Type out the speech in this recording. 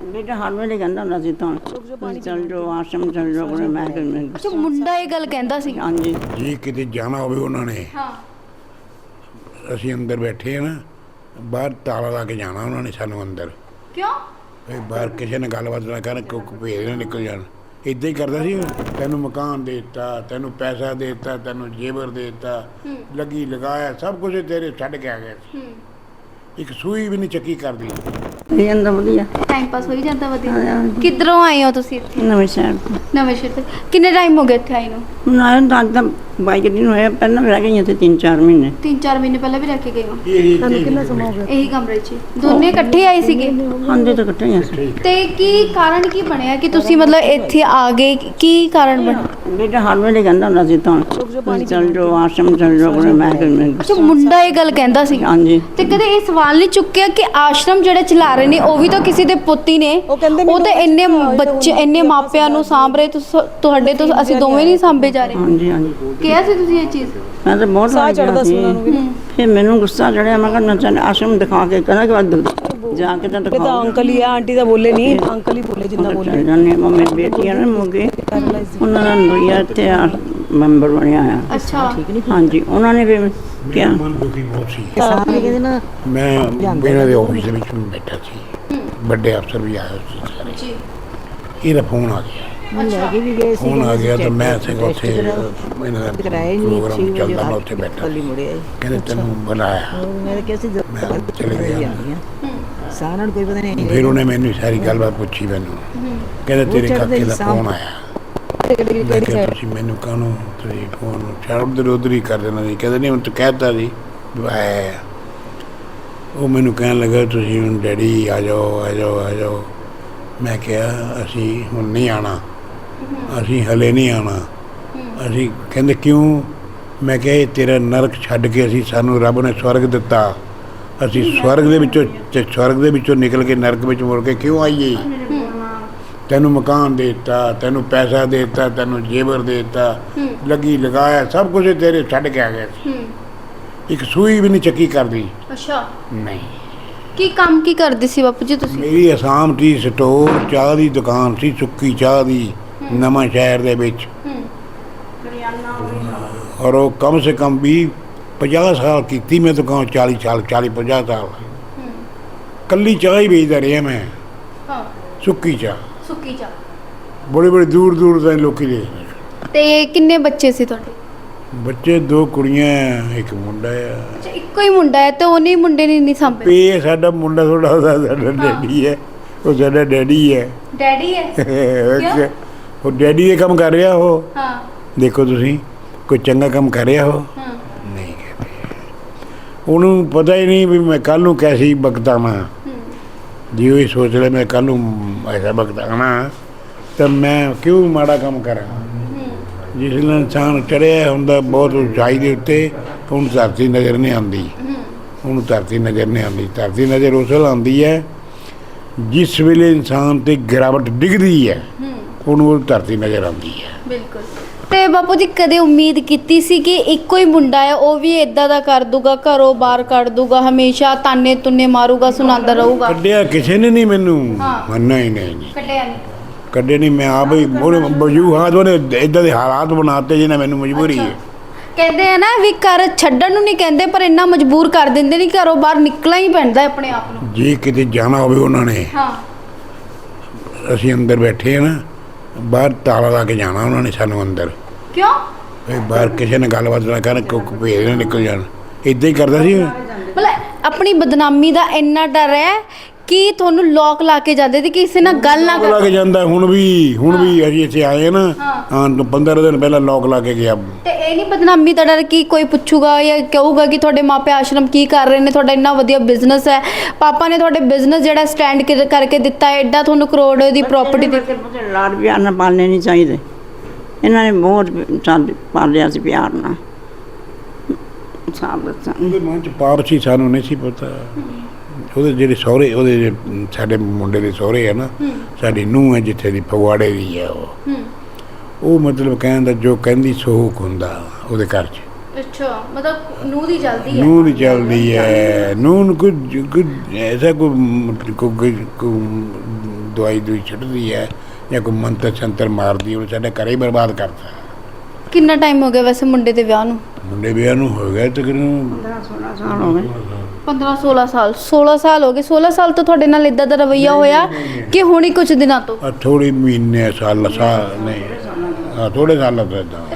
बेटा हर ਵੇਲੇ ਕਹਿੰਦਾ ਹੁੰਦਾ ਸੀ ਤਾਂ ਚੱਲ ਜਾਓ ਆਸ਼ਰਮ ਚੱਲ ਜਾਓ ਕੋਲ ਮੈਂ ਅੱਛਾ ਮੁੰਡਾ ਇਹ ਗੱਲ ਕਹਿੰਦਾ ਸੀ। ਹਾਂਜੀ ਜੀ ਕਿਤੇ ਜਾਣਾ ਹੋਵੇ ਉਹਨਾਂ ਨੇ ਹਾਂ ਅਸੀਂ ਅੰਦਰ ਬੈਠੇ ਆ ਨਾ ਬਾਹਰ ਤਾਲਾ ਲਾ ਕੇ ਜਾਣਾ ਉਹਨਾਂ ਨੇ ਸਾਨੂੰ ਅੰਦਰ ਕਿਉਂ? ਵੀ ਬਾਹਰ ਕਿਸੇ ਨੇ ਗੱਲਬਾਤ ਨਾ ਕਰਨ ਕੋਈ ਭੇਜ ਨਾ ਨਿਕਲ ਜਾਣ ਇੱਦਾਂ ਹੀ ਕਰਦਾ ਸੀ ਤੈਨੂੰ ਮਕਾਨ ਦੇ ਦਿੱਤਾ ਤੈਨੂੰ ਪੈਸਾ ਦੇ ਦਿੱਤਾ ਤੈਨੂੰ ਜੇਵਰ ਦੇ ਦਿੱਤਾ ਲੱਗੀ ਲਗਾਇਆ ਸਭ ਕੁਝ ਤੇਰੇ ਛੱਡ ਕੇ ਆ ਗਿਆ ਸੀ। ਇੱਕ ਸੂਈ ਵੀ ਨਹੀਂ ਚੱਕੀ ਕਰਦੀ ਇਹ ਜਾਂਦਾ ਵਧੀਆ ਟਾਈਮ ਪਾਸ ਹੋਈ ਜਾਂਦਾ ਵਧੀਆ। ਕਿੱਧਰੋਂ ਆਏ ਹੋ ਤੁਸੀਂ ਇੱਥੇ? ਨਵੇਂ ਸ਼ਹਿਰ ਤੋਂ ਨਵੇਂ ਸ਼ਹਿਰ ਤੋਂ। ਕਿੰਨੇ ਟਾਈਮ ਹੋ ਗਿਆ ਇੱਥੇ ਆਏ ਨੂੰ? ਹੁਣ ਆਇਆ ਤਾਂ ਅੱਜ ਤਾਂ 22 ਦਿਨ ਹੋਏ ਪਹਿਲਾਂ ਵੀ ਰਹਿ ਗਈਆਂ ਤੇ 3-4 ਮਹੀਨੇ 3-4 ਮਹੀਨੇ ਪਹਿਲਾਂ ਵੀ ਰਹਿ ਕੇ ਗਏ ਹੋ ਕਿੰਨਾ ਸਮਾਂ ਹੋ ਇਹੀ ਕਮਰੇ 'ਚ? ਦੋਨੇ ਇਕੱਠੇ ਆਏ ਸੀਗੇ? ਆਂਦੇ ਤਾਂ ਇਕੱਠੇ ਹੀ ਆ ਸੀ ਤੇ ਕੀ ਕਾਰਨ ਕੀ ਬਣਿਆ ਕਿ ਤੁਸੀਂ ਮਤਲਬ ਇੱਥੇ ਆ ਗਏ? ਕੀ ਕਾਰਨ ਬਣਿਆ? ਬੇਟਾ ਹਰ ਵੇਲੇ ਕਹਿੰਦਾ ਹੁੰਦਾ ਸੀ ਤਾਂ ਚੱਲ ਜਾਓ ਆਸ਼ਰਮ ਚੱਲ ਜਾਓ ਕੋਲ ਮੈਂ ਅੱਛਾ ਮੁੰਡਾ ਇਹ ਗੱਲ ਕਹਿੰਦਾ ਸੀ। ਹਾਂਜੀ ਤੇ ਕਦੇ ਇਹ ਸਵਾਲ ਨਹੀਂ ਚੁੱਕਿਆ ਕਿ ਆਸ਼ਰਮ ਜਿਹੜੇ ਚਲਾ ਰਹੇ ਨੇ ਉਹ ਵੀ ਤਾਂ ਕਿਸੇ ਦੇ ਪੁੱਤ ਹੀ ਨੇ? ਉਹ ਤਾਂ ਇੰਨੇ ਬੱਚੇ ਇੰਨੇ ਮਾਪਿਆਂ ਨੂੰ ਸਾਂਭ ਰਹੇ, ਤੁਹਾਡੇ ਤੋਂ ਅਸੀਂ ਦੋਵੇਂ ਨਹੀਂ ਸਾਂਭੇ ਜਾ ਰਹੇ। ਹਾਂਜੀ ਹਾਂਜੀ ਕਿਹਾ ਸੀ ਤੁਸੀਂ ਇਹ ਚੀਜ਼? ਮੈਂ ਤਾਂ ਬਹੁਤ ਸਾਹ ਚੜਦਾ ਸੀ ਉਹਨਾਂ ਨੂੰ ਵੀ। ਫਿਰ ਮੈਨੂੰ ਗੁੱਸਾ ਚੜਿਆ ਮੈਂ ਕਿਹਾ ਚੱਲ ਆਸ਼ਰਮ ਦਿਖਾ ਕੇ ਕਹਿੰਦਾ ਕਿ ਬਾਅਦ ਜਾ ਕੇ ਤਾਂ ਇਹ ਤਾਂ ਦਿਖਾਓ ਅੰਕਲ ਹੀ ਆ ਆਂਟੀ ਤਾਂ ਬੋਲੇ ਨਹੀਂ ਅੰਕਲ ਹੀ ਬੋਲੇ ਜਿੰਨਾ ਬੋਲੇ ਚੱਲ ਜਾਂਦੇ ਹਾਂ ਮੇਰੀ ਬੇਟੀ ਆ ਨਾ ਮੋਗੇ ਉਹਨਾਂ ਦਾ ਲੋਈਆ ਇੱਥੇ ਆ ਮੈਂਬਰ ਬਣਿਆ ਆ ਅੱਛਾ ਹਾਂਜੀ ਉਹਨਾਂ ਨੇ ਫਿਰ ਕਿਹਾ ਮਨ ਦੁਖੀ ਬਹੁਤ ਸੀ ਸਾਰੇ ਕਹਿੰਦੇ ਨਾ ਮੈਂ ਇਹਨਾਂ ਦੇ ਆਫਿਸ ਦੇ ਵਿੱਚ ਬੈਠਾ ਸੀ ਵੱਡੇ ਅਫਸਰ ਵੀ ਆਏ ਸੀ ਸਾਰੇ ਜੀ ਇਹਦਾ ਫੋਨ ਆ ਗਿਆ ਲੈ ਕੇ ਵੀ ਗਏ ਸੀ ਫੋਨ ਆ ਗਿਆ ਤਾਂ ਮੈਂ ਸੀਗਾ ਉੱਥੇ ਇਹਨਾਂ ਦਾ ਕਰਾਇਆ ਨਹੀਂ ਪ੍ਰੋਗਰਾਮ ਚੱਲਦਾ ਮੈਂ ਉੱਥੇ ਬੈਠਾ ਕੱਲੀ ਮੁੜਿਆ ਕਹਿੰਦੇ ਤੈਨੂੰ ਬੁਲਾਇਆ ਮੈਂ ਕਿਹਾ ਸੀ ਮੈਂ ਚਲੇ ਗਿਆ ਸਾਰਿਆਂ ਨੂੰ ਕੋਈ ਪਤਾ ਨਹੀਂ ਫਿਰ ਉਹਨੇ ਮੈਨੂੰ ਸਾਰੀ ਗੱਲਬਾਤ ਪੁੱਛੀ ਮੈਨੂੰ ਕਹਿੰਦੇ ਤੇਰੇ ਕਾਕੇ ਦਾ ਫੋਨ ਆਇਆ ਮੈਂ ਕਿਹਾ ਤੁਸੀਂ ਮੈਨੂੰ ਕਾਹਨੂੰ ਤੁਸੀਂ ਫੋਨ ਸ਼ਰਮ ਦੇ ਉਧਰ ਹੀ ਕਰ ਦੇਣਾ ਸੀ ਕਹਿੰਦੇ ਨਹੀਂ ਹੁਣ ਤੂੰ ਕਹਿਤਾ ਜੀ ਵੀ ਆਇਆ ਉਹ ਮੈਨੂੰ ਕਹਿਣ ਲੱਗਾ ਤੁਸੀਂ ਹੁਣ ਡੈਡੀ ਆ ਜਾਓ ਆ ਜਾਓ ਆ ਜਾਓ ਮੈਂ ਕਿਹਾ ਅਸੀਂ ਹੁਣ ਨਹੀਂ ਆਉਣਾ ਅਸੀਂ ਹਲੇ ਨਹੀਂ ਆਉਣਾ ਅਸੀਂ ਕਹਿੰਦੇ ਕਿਉਂ ਮੈਂ ਕਿਹਾ ਇਹ ਤੇਰਾ ਨਰਕ ਛੱਡ ਕੇ ਅਸੀਂ ਸਾਨੂੰ ਰੱਬ ਨੇ ਸਵਰਗ ਦਿੱਤਾ ਅਸੀਂ ਸਵਰਗ ਦੇ ਵਿੱਚੋਂ ਨਿਕਲ ਕੇ ਨਰਕ ਵਿੱਚ ਮੁੜ ਕੇ ਕਿਉਂ ਆਈਏ ਤੈਨੂੰ ਮਕਾਨ ਦੇ ਦਿੱਤਾ ਤੈਨੂੰ ਪੈਸਾ ਦੇ ਦਿੱਤਾ ਤੈਨੂੰ ਜੇਵਰ ਦੇ ਦਿੱਤਾ ਲੱਗੀ ਲਗਾਇਆ ਸਭ ਕੁਝ ਤੇਰੇ ਛੱਡ ਕੇ ਆ ਗਿਆ ਸੀ ਇੱਕ ਸੂਈ ਵੀ ਨਹੀਂ ਚੱਕੀ ਕਰਦੀ ਅੱਛਾ ਨਹੀਂ ਕੀ ਕੰਮ ਕੀ ਕਰਦੇ ਸੀ ਬਾਪੂ ਜੀ ਤੁਸੀਂ? ਮੇਰੀ ਅਸਾਮ ਟੀ ਸਟੋਰ ਚਾਹ ਦੀ ਦੁਕਾਨ ਸੀ ਸੁੱਕੀ ਚਾਹ ਦੀ ਨਵਾਂ ਸ਼ਹਿਰ ਦੇ ਵਿੱਚ ਔਰ ਉਹ ਕਮ ਸੇ ਕਮ ਵੀ 50 ਸਾਲ ਕੀਤੀ ਮੈਂ ਦੁਕਾਨ 40 ਸਾਲ 40-50 ਸਾਲ ਕੱਲੀ ਚਾਹ ਹੀ ਵੇਚਦਾ ਰਿਹਾ ਮੈਂ ਹਾਂ ਸੁੱਕੀ ਚਾਹ ਸੁੱਕੀ ਚਾਹ। ਬੜੇ ਬੜੇ ਦੂਰ ਦੂਰ ਦੇ ਲੋਕੀ ਦੇ ਤੇ ਕਿੰਨੇ ਬੱਚੇ ਸੀ ਤੁਹਾਡੇ? ਬੱਚੇ 2 ਕੁੜੀਆਂ ਇੱਕ ਮੁੰਡਾ ਆ ਅੱਛਾ ਇੱਕੋ ਹੀ ਮੁੰਡਾ ਹੈ ਤੇ ਉਹਨੇ ਮੁੰਡੇ ਨੇ ਨਹੀਂ ਸਾਂਭੇ? ਇਹ ਸਾਡਾ ਮੁੰਡਾ ਥੋੜਾ ਉਹਦਾ ਸਾਡਾ ਡੈਡੀ ਹੈ ਉਹ ਸਾਡਾ ਡੈਡੀ ਹੈ ਡੈਡੀ ਹੈ? ਉਹ ਡੈਡੀ ਦੇ ਕੰਮ ਕਰ ਰਿਹਾ ਉਹ ਹਾਂ ਦੇਖੋ ਤੁਸੀਂ ਕੋਈ ਚੰਗਾ ਕੰਮ ਕਰ ਰਿਹਾ ਉਹ ਹਾਂ ਨਹੀਂ ਕਰਦੇ ਉਹਨੂੰ ਪਤਾ ਹੀ ਨਹੀਂ ਵੀ ਮੈਂ ਕੱਲ ਨੂੰ ਕੈਸੀ ਬਗਤਾਵਾਂ ਜੀ ਉਹ ਹੀ ਸੋਚ ਰਿਹਾ ਮੈਂ ਕੱਲ ਨੂੰ ਐਸਾ ਬਗਤਾਣਾ ਤਾਂ ਮੈਂ ਕਿਉਂ ਮਾੜਾ ਕੰਮ ਕਰਾਂ ਜਿਸ ਨਾਲ ਇਨਸਾਨ ਚੜ੍ਹਿਆ ਹੁੰਦਾ ਬਹੁਤ ਉਚਾਈ ਦੇ ਉੱਤੇ ਉਹਨੂੰ ਧਰਤੀ ਨਜ਼ਰ ਨਹੀਂ ਆਉਂਦੀ ਉਹਨੂੰ ਧਰਤੀ ਨਜ਼ਰ ਨਹੀਂ ਆਉਂਦੀ ਧਰਤੀ ਨਜ਼ਰ ਉਸ ਵੇਲੇ ਆਉਂਦੀ ਹੈ ਜਿਸ ਵੇਲੇ ਇਨਸਾਨ 'ਤੇ ਗਿਰਾਵਟ ਡਿੱਗਦੀ ਹੈ ਉਹਨੂੰ ਉਹ ਧਰਤੀ ਨਜ਼ਰ ਆਉਂਦੀ ਹੈ। ਬਿਲਕੁਲ। ਤੇ ਬਾਪੂ ਜੀ ਕਦੇ ਉਮੀਦ ਕੀਤੀ ਸੀ ਕਿ ਇੱਕੋ ਹੀ ਮੁੰਡਾ ਹੈ ਉਹ ਵੀ ਇਦਾਂ ਦਾ ਕਰ ਦੂਗਾ ਘਰੋਂ ਬਾਹਰ ਕੱਢ ਦੂਗਾ ਹਮੇਸ਼ਾ ਤਾਨੇ ਤੁੰਨੇ ਮਾਰੂਗਾ ਸੁਣਾਉਂਦਾ ਰਹੂਗਾ? ਕੱਢਿਆ ਕਿਸੇ ਨੇ ਨਹੀਂ ਮੈਨੂੰ ਮੰਨਣਾ ਹੀ ਨਹੀਂ ਕੱਢਿਆ ਨਹੀਂ ਕੱਢੇ ਨਹੀਂ ਮੈਂ ਆਪ ਹੀ ਵਜੂਹਾਤ ਉਹਨੇ ਇੱਦਾਂ ਦੇ ਹਾਲਾਤ ਬਣਾਤੇ ਜਿਹਨਾਂ ਮੈਨੂੰ ਮਜਬੂਰੀ ਹੈ। ਕਹਿੰਦੇ ਆ ਨਾ ਵੀ ਘਰ ਛੱਡਣ ਨੂੰ ਨਹੀਂ ਕਹਿੰਦੇ ਪਰ ਇੰਨਾ ਮਜਬੂਰ ਕਰ ਦਿੰਦੇ ਨਹੀਂ ਘਰੋਂ ਬਾਹਰ ਨਿਕਲਣਾ ਹੀ ਪੈਂਦਾ ਆਪਣੇ ਆਪ ਨੂੰ। ਜੇ ਕਿਤੇ ਜਾਣਾ ਹੋਵੇ ਉਹਨਾਂ ਨੇ ਹਾਂ ਅਸੀਂ ਅੰਦਰ ਬੈਠੇ ਆ ਨਾ ਬਾਹਰ ਤਾਲਾ ਲਾ ਕੇ ਜਾਣਾ ਉਹਨਾਂ ਨੇ ਸਾਨੂੰ ਅੰਦਰ ਕਿਉਂ? ਵੀ ਬਾਹਰ ਕਿਸੇ ਨੇ ਗੱਲਬਾਤ ਨਾ ਕਰਨ ਕੋਈ ਭੇਜ ਨਾ ਨਿਕਲ ਜਾਣ ਇੱਦਾਂ ਹੀ ਕਰਦਾ ਸੀ ਮਤਲਬ ਆਪਣੀ ਬਦਨਾਮੀ ਦਾ ਇੰਨਾ ਡਰ ਹੈ ਕਿ ਤੁਹਾਨੂੰ ਲੋਕ ਲਾ ਕੇ ਜਾਂਦੇ ਤੇ ਕਿਸੇ ਨਾਲ ਗੱਲ ਨਾ ਲਾ ਕੇ ਜਾਂਦਾ ਹੁਣ ਵੀ ਅਸੀਂ ਇੱਥੇ ਆਏ ਨਾ ਹਾਂ 15 ਦਿਨ ਪਹਿਲਾਂ ਲੋਕ ਲਾ ਕੇ ਗਿਆ ਤੇ ਇਹ ਨਹੀਂ ਬਦਨਾਮੀ ਦਾ ਡਰ ਕਿ ਕੋਈ ਪੁੱਛੂਗਾ ਜਾਂ ਕਹੂਗਾ ਕਿ ਤੁਹਾਡੇ ਮਾਪੇ ਆਸ਼ਰਮ ਕੀ ਕਰ ਰਹੇ ਨੇ ਤੁਹਾਡਾ ਇੰਨਾ ਵਧੀਆ ਬਿਜ਼ਨਸ ਹੈ ਪਾਪਾ ਨੇ ਤੁਹਾਡੇ ਬਿਜ਼ਨਸ ਜਿਹੜਾ ਸਟੈਂਡ ਕਰਕੇ ਦਿੱਤਾ ਹੈ ਐਡਾ ਤੁਹਾਨੂੰ ਕਰੋੜ ਦੀ ਪ੍ਰਾਪਰਟੀ ਦਿੱਤੀ ਲਾਡ ਪਿਆਰ ਨਾਲ ਪਾਲਣੇ ਨਹੀਂ ਚਾਹੀਦੇ ਇਹਨਾਂ ਨੇ ਬਹੁਤ ਪਾਲਿਆ ਸੀ ਪਿਆਰ ਨਾਲ ਸਾਬ ਦੱਸਾਂ ਉਹਦੇ ਮਨ 'ਚ ਪਾਪ ਸੀ ਸਾਨੂੰ ਨਹੀਂ ਸੀ ਪਤਾ ਉਹਦੇ ਜਿਹੜੇ ਸਹੁਰੇ ਉਹਦੇ ਸਾਡੇ ਮੁੰਡੇ ਦੇ ਸਹੁਰੇ ਆ ਨਾ ਸਾਡੀ ਨੂੰਹ ਹੈ ਜਿੱਥੇ ਦੀ ਫਗਵਾੜੇ ਦੀ ਹੈ ਉਹ ਮਤਲਬ ਕਹਿਣ ਦਾ ਜੋ ਕਹਿੰਦੀ ਸੋਖ ਹੁੰਦਾ ਉਹਦੇ ਘਰ 'ਚ। ਅੱਛਾ ਮਤਲਬ ਨੂੰਹ ਦੀ ਜਲਦੀ ਹੈ? ਨੂੰਹ ਦੀ ਚੱਲਦੀ ਹੈ ਨੂੰਹ ਨੂੰ ਕੋਈ ਐਸਾ ਕੋਈ ਦਵਾਈ ਦੂਈ ਛੱਡਦੀ ਹੈ ਜਾਂ ਕੋਈ ਮੰਤਰ ਸੰਤਰ ਮਾਰਦੀ, ਉਹਨੇ ਸਾਡੇ ਘਰੇ ਹੀ ਬਰਬਾਦ ਕਰਤਾ। ਕਿੰਨਾ ਟਾਈਮ ਹੋ ਗਿਆ ਵੈਸੇ ਮੁੰਡੇ ਦੇ ਵਿਆਹ ਨੂੰ? ਮੁੰਡੇ ਵਿਆਹ ਨੂੰ ਹੋ ਗਿਆ ਤਕਰੀਬਨ 16 ਸਾਲ ਹੋ ਗਏ। 15-16 ਸਾਲ 16 ਸਾਲ ਹੋ ਗਏ। 16 ਸਾਲ ਤੋਂ ਤੁਹਾਡੇ ਨਾਲ ਇਦਾਂ ਦਾ ਰਵੱਈਆ ਹੋਇਆ ਕਿ ਹੁਣੀ ਕੁਝ ਦਿਨਾਂ ਤੋਂ? ਥੋੜੀ ਮਹੀਨੇ ਸਾਲ ਨਹੀਂ ਥੋੜੇ ਸਾਲਾਂ ਤੋਂ ਏਦਾਂ